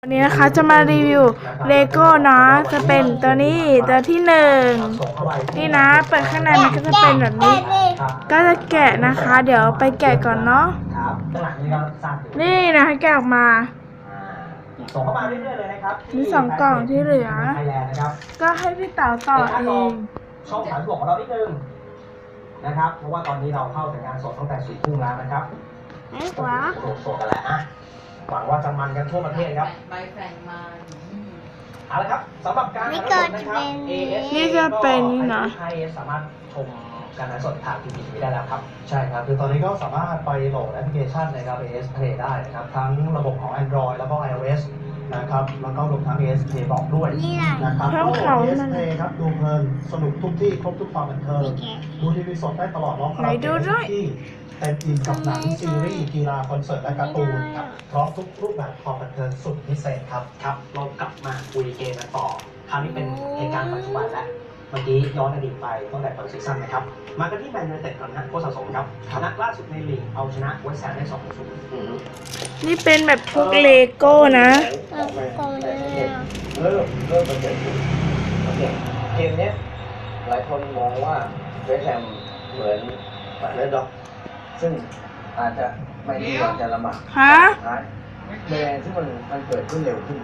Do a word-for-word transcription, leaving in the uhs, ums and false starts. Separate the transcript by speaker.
Speaker 1: วันนี้นะคะจะมารีวิวเลโก้นะจะเป็นตัวนี้ตัวที่หนึ่งนี่นะเปิดข้างในมันก็จะเป็นแบบนี้ ก็จะแกะนะคะ เดี๋ยวไปแกะก่อนเนาะนี่นะแกะออกมา
Speaker 2: ส่งเข้ามาเรื่อยๆเลยนะครับ
Speaker 1: มีสองกล่องที่เหลือก็ให้พี่เต๋าต่อเอง
Speaker 2: ช่องสามบวกของเรานิดนึงนะครับเพราะว่าตอนนี้เราเข้าสัญญาณสดตั้งแต่สี่ทุ่มแล้วนะครับ
Speaker 1: ไม่หวัง
Speaker 2: โสดกันแหละอ่ะหวังว่าจะมันกันทั่วประเทศครับ
Speaker 3: ใบแฝงมา
Speaker 2: เอาละครับสำหรับการถ่ายทอดสดนะครับ เอ เอส
Speaker 1: นี่จะเป็นนี่นะ
Speaker 2: ไอเอสสามารถชมการถ่ายทอดสดผ่านทีวีได้แล้วครับ
Speaker 4: ใช่ครับคือตอนนี้ก็สามารถไปโหลดแอปพลิเคชันนะครับ เอ เอส Play ได้นะครับทั้งระบบของ Android แล้วก็ iOS นะครับแล้วก็รวมทั้ง เอ เอส Play บอกด้วยนะครับก็ เอ เอส Play ครับดูเพลินสนุกทุกที่ครบทุกความบันเทิงดูทีวีสดได้ตลอดรอบคราวที่เต็มอิ่มกับหนังซีรีส์กีฬาคอนเสิร์ตและการ์ตูนครับพร้อมทุกรูปแบบความบันเทิงสุดพิเศษครับ
Speaker 2: ครับเรากลับมาคุยเกมกันต่อคราวนี้เป็นเหตุการณ์ปัจจุบันแล้วเมื่อกี้ย้อนอดีตไปตั้งแต่เปิดซีซั่นนะครับมากันที่แมนยูไนเต็ดก่อนนะโค้ชสะสมครับนัดล่าสุดในลีกเอาชนะเวสต์แฮมได้สองศูนย์
Speaker 1: นี่เป็นแบบพวกเลโก้นะ
Speaker 5: เริ่มเริ่มเป็นเด็กเกมนี้หลายคนมองว่าเวสต์แฮมเหมือนเลดด็อกซึ่งอาจจะไม่ดีกว่าจะลำบาก
Speaker 1: ฮะ
Speaker 5: ท้ายแมนที่มันมันเกิดขึ้นเร็วขึ้น